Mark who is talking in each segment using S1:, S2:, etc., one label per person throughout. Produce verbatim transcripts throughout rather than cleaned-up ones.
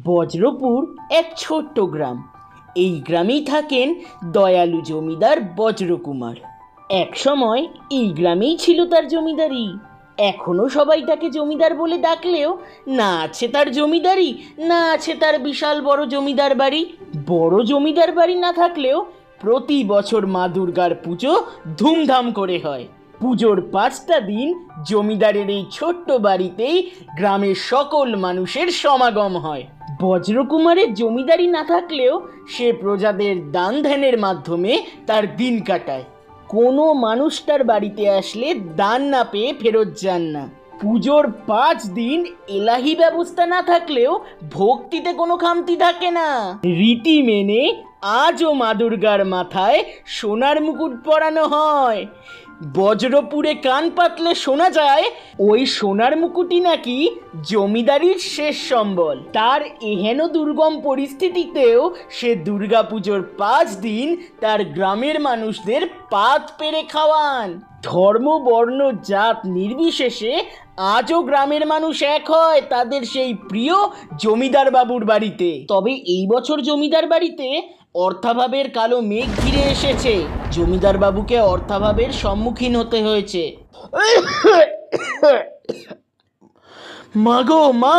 S1: বজ্রপুর এক ছোট্ট গ্রাম। এই গ্রামেই থাকেন দয়ালু জমিদার বজ্রকুমার। এক সময় এই গ্রামেই ছিল তার জমিদারি। এখনো সবাই তাকে জমিদার বলে ডাকলেও না আছে তার জমিদারি, না আছে তার বিশাল বড় জমিদার বাড়ি। বড় জমিদার বাড়ি না থাকলেও প্রতি বছর মা দুর্গার পুজো ধুমধাম করে হয়। পুজোর পাঁচটা দিন জমিদারের এই ছোট্ট বাড়িতেই গ্রামের সকল মানুষের সমাগম হয়। বজ্রকুমারের জমিদারি না থাকলেও সে প্রজাদের দান ধ্যানের মাধ্যমে তার দিন কাটায়। কোনো মানুষ তার বাড়িতে আসলে দান না পেয়ে ফেরত যান না। পুজোর পাঁচ দিন এলাহি ব্যবস্থা না থাকলেও ভক্তিতে কোনো খামতি থাকে না। রীতি মেনে আজও মা দুর্গার মাথায় সোনার মুকুট পরানো হয়। বজ্রপুরে কান পাতলে শোনা যায় ওই সোনার মুকুটই নাকি জমিদারির শেষ সম্বল। তার এহেন দুর্গম পরিস্থিতিতেও সে দুর্গাপুজোর পাঁচ দিন তার গ্রামের মানুষদের পাত পেরে খাওয়ান। ধর্ম বর্ণ জাত নির্বিশেষে আজও গ্রামের মানুষ এক হয় তাদের সেই প্রিয় জমিদার বাবুর বাড়িতে। তবে এই বছর জমিদার বাড়িতে অর্থাভাবের কালো মেঘ ঘিরে এসেছে। জমিদার বাবুকে অর্থাভাবের সম্মুখীন হতে হয়েছে। মা গো মা,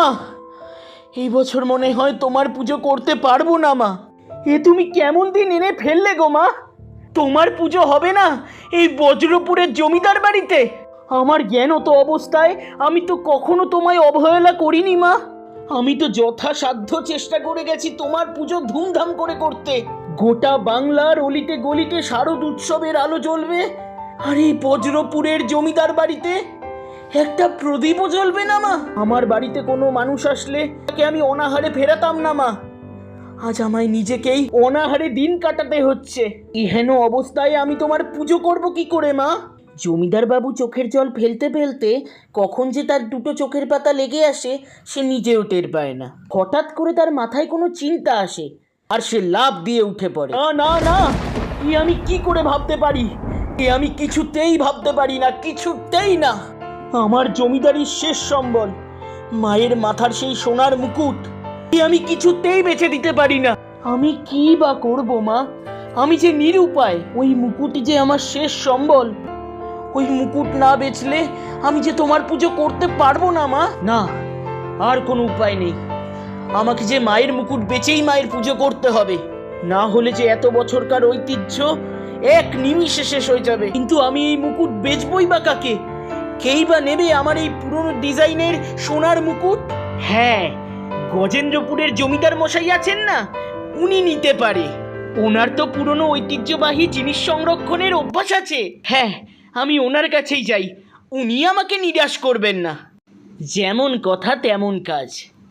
S1: এই বছর মনে হয় তোমার পুজো করতে পারবো না মা। এ তুমি কেমন দিন এনে ফেললে গো মা? তোমার পুজো হবে না এই বজ্রপুরের জমিদার বাড়িতে? আমার জ্ঞানত অবস্থায় আমি তো কখনো তোমায় অবহেলা করিনি মা। আমি তো যথাসাধ্য চেষ্টা করে গেছি তোমার পুজো ধুমধাম করে করতে। গোটা বাংলার অলিতে গলিতে শারদ উৎসবের আলো জ্বলবে, আর এই বজ্রপুরের জমিদার বাড়িতে একটা প্রদীপও জ্বলবে না মা। আমার বাড়িতে কোনো মানুষ আসলে তাকে আমি অনাহারে ফেরাতাম না মা। আজ আমায় নিজেকেই অনাহারে দিন কাটাতে হচ্ছে। এহেন অবস্থায় আমি তোমার পুজো করব কি করে মা? জমিদার বাবু চোখের জল ফেলতে ফেলতে কখন যে তার দুটো চোখের পাতা লেগে আসে সে নিজেও টের পায় না। হঠাৎ করে তার মাথায় কোনো চিন্তা আসে আর সে লাফ দিয়ে উঠে পড়ে। না না না, এ আমি কি করে ভাবতে পারি? এ আমি কিছুতেই ভাবতে পারি না, কিছুতেই না। আমার জমিদারির শেষ সম্বল মায়ের মাথার সেই সোনার মুকুট, এ আমি কিছুতেই বেচে দিতে পারি না। আমি কি বা করব মা? আমি যে নিরুপায়। ওই মুকুটই যে আমার শেষ সম্বল। ওই মুকুট না বেচলে আমি যে তোমার পুজো করতে পারবো না মা। না, আর কোনো উপায় নেই। আমাকে যে মায়ের মুকুট বেচেই মায়ের পুজো করতে হবে, না হলে যে এত বছরকার ঐতিহ্য এক নিমিষে শেষ হয়ে যাবে। কিন্তু আমি এই মুকুট বেচবই বা কাকে? কেই বা নেবে আমার এই পুরনো ডিজাইনের সোনার মুকুট? হ্যাঁ, গজেন্দ্রপুরের জমিদার মশাই আছেন না, উনি নিতে পারে। ওনার তো পুরনো ঐতিহ্যবাহী জিনিস সংরক্ষণের অভ্যাস আছে। হ্যাঁ, আমি ওনার কাছেই যাই, উনি আমাকে নিরাশ করবেন না। যেমন কথা তেমন কাজ।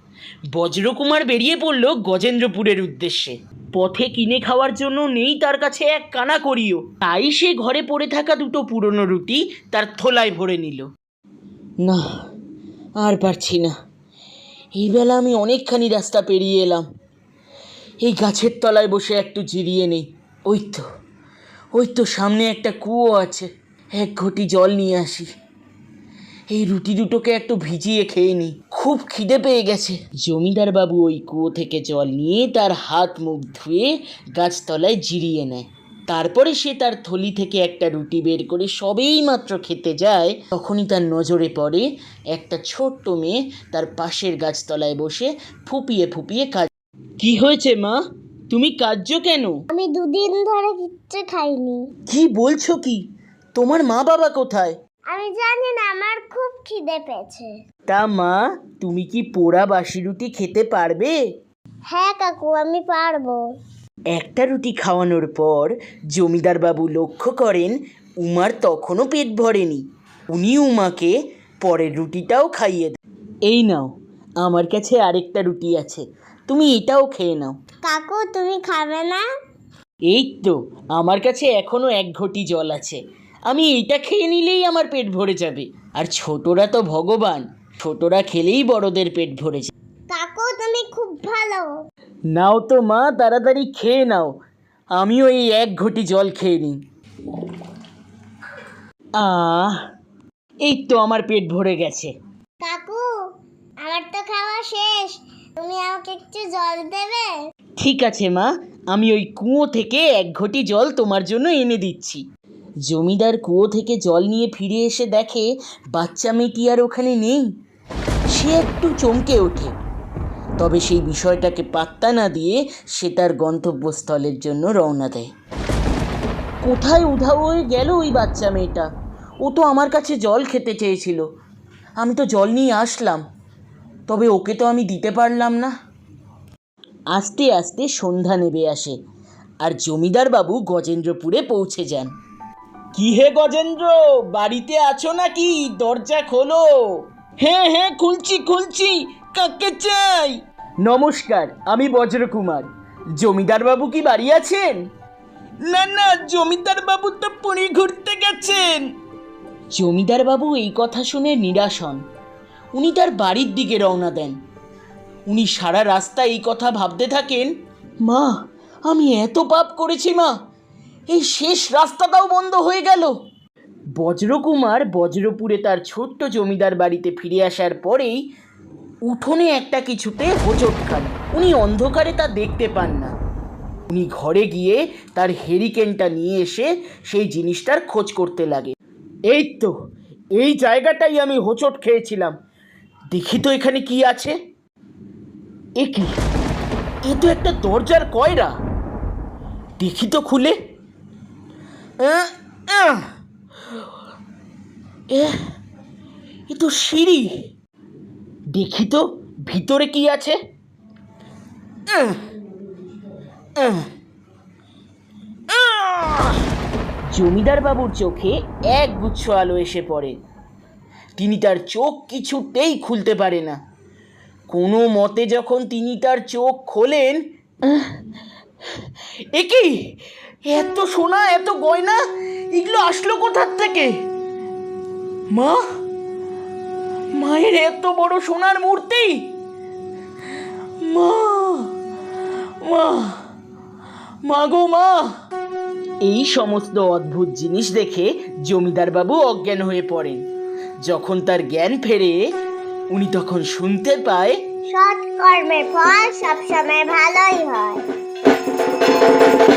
S1: বজ্রকুমার বেরিয়ে পড়ল গজেন্দ্রপুরের উদ্দেশ্যে। পথে কিনে খাওয়ার জন্য নেই তার কাছে এক কানা করিও। তাই সে ঘরে পড়ে থাকা দুটো পুরনো রুটি তার থোলায় ভরে নিল। না, আর পারছি না। এই বেলা আমি অনেকখানি রাস্তা পেরিয়ে এলাম। এই গাছের তলায় বসে একটু জিরিয়ে নেই। ওই তো ওই তো সামনে একটা কুয়ো আছে, এক ঘটি জল নিয়ে আসি। এই রুটি দুটোকে একটু ভিজিয়ে খেয়ে নিই, খুব খিদে পেয়ে গেছে। জমিদার বাবু ওই কুয়ো থেকে জল নিয়ে তার হাত মুখ ধুয়ে গাছতলায় জিরিয়ে নেয়। তারপরে সে তার থলি থেকে একটা রুটি বের করে সবেই মাত্র খেতে যায়, তখনই তার নজরে পড়ে একটা ছোট্ট মেয়ে তার পাশের গাছতলায় বসে ফুপিয়ে ফুপিয়ে কাজ। কি হয়েছে মা, তুমি কাঁদছো কেন?
S2: আমি দুদিন ধরে কিচ্ছু খাইনি।
S1: কি বলছো কি? তোমার মা বাবা কোথায়?
S2: আমি জানি না, আমার খুব খিদে পেয়েছে।
S1: তা মা, তুমি কি পোড়া বাসি রুটি খেতে পারবে?
S2: হ্যাঁ কাকু, আমি পারবো।
S1: একটা রুটি খাওয়ানোর পর জমিদার বাবু লক্ষ্য করেন উমার তখনও পেট ভরেনি। উনি উমাকে পরের রুটিটাও খাইয়ে দেন। এই নাও, আমার কাছে আরেকটা রুটি আছে, তুমি এটাও খেয়ে নাও।
S2: কাকু, তুমি খাবে না?
S1: এই তো আমার কাছে এখনো এক ঘটি জল আছে, আমি এইটা খেয়ে নিলেই আমার পেট ভরে যাবে। আর ছোটরা তো ভগবান, ছোটরা খেলেই বড়দের পেট ভরে যায়।
S2: কাকু, তুমি খুব ভালো।
S1: নাও তো মা, তাড়াতাড়ি খেয়ে নাও, আমিও এই এক ঘটি জল খেয়ে নিই। আহ, এই তো আমার পেট ভরে গেছে।
S2: কাকু, আমার তো খাওয়া শেষ, তুমি আমাকে একটু জল দেবে?
S1: ঠিক আছে মা, আমি ওই কুয়ো থেকে এক ঘটি জল তোমার জন্য এনে দিচ্ছি। জমিদার কুয়ো থেকে জল নিয়ে ফিরে এসে দেখে বাচ্চা মেয়েটি আর ওখানে নেই। সে একটু চমকে ওঠে, তবে সেই বিষয়টাকে পাত্তা না দিয়ে সে তার গন্তব্যস্থলের জন্য রওনা দেয়। কোথায় উধাও হয়ে গেল ওই বাচ্চা মেয়েটা? ও তো আমার কাছে জল খেতে চেয়েছিল, আমি তো জল নিয়ে আসলাম, তবে ওকে তো আমি দিতে পারলাম না। আস্তে আস্তে সন্ধ্যা নেমে আসে আর জমিদার বাবু গজেন্দ্রপুরে পৌঁছে যান। কি হে গজেন্দ্র, বাড়িতে আছো নাকি? দরজা খোলো। হ্যাঁ হ্যাঁ খুলছি খুলছি, কাকে চাই? নমস্কার, আমি বজ্রকুমার। জমিদার বাবু কি বাড়ি আছেন? না না, জমিদার বাবু তো পুরী ঘুরতে গেছেন। জমিদার বাবু এই কথা শুনে নিরাশ হন। উনি তার বাড়ির দিকে রওনা দেন। উনি সারা রাস্তা এই কথা ভাবতে থাকেন, মা আমি এত পাপ করেছি মা, এই শেষ রাস্তাটাও বন্ধ হয়ে গেল। বজ্রকুমার বজ্রপুরে তার ছোট্ট জমিদার বাড়িতে ফিরে আসার পরেই উঠোনে একটা কিছুতে হোঁচট খান। উনি অন্ধকারে তা দেখতে পান না। উনি ঘরে গিয়ে তার হেরিকেনটা নিয়ে এসে সেই জিনিসটার খোঁজ করতে লাগে। এই তো, এই জায়গাটাই আমি হোঁচট খেয়েছিলাম। দেখি তো এখানে কি আছে। এ কি, এ তো একটা দরজার কয়রা। দেখি তো খুলে। আহ, আহ, এ এ তো সিঁড়ি। দেখি তো ভিতরে কি আছে। আহ, আহ, আহ। জমিদার বাবুর চোখে এক গুচ্ছ আলো এসে পড়ে। তিনি তার চোখ কিছুতেই খুলতে পারে না। কোনো মতে যখন তিনি তার চোখ খোলেন, এ কি, এত সোনা এত গয়না এগুলো আসলো কোথার থেকে? মা, মায়ের এত বড় সোনার মূর্তি। মা মা মা গো মা। এই সমস্ত অদ্ভুত জিনিস দেখে জমিদার বাবু অজ্ঞান হয়ে পড়েন। যখন তার জ্ঞান ফেরে, উনি তখন শুনতে পায়,
S2: সৎ কর্মের ফল সবসময় ভালোই হয়।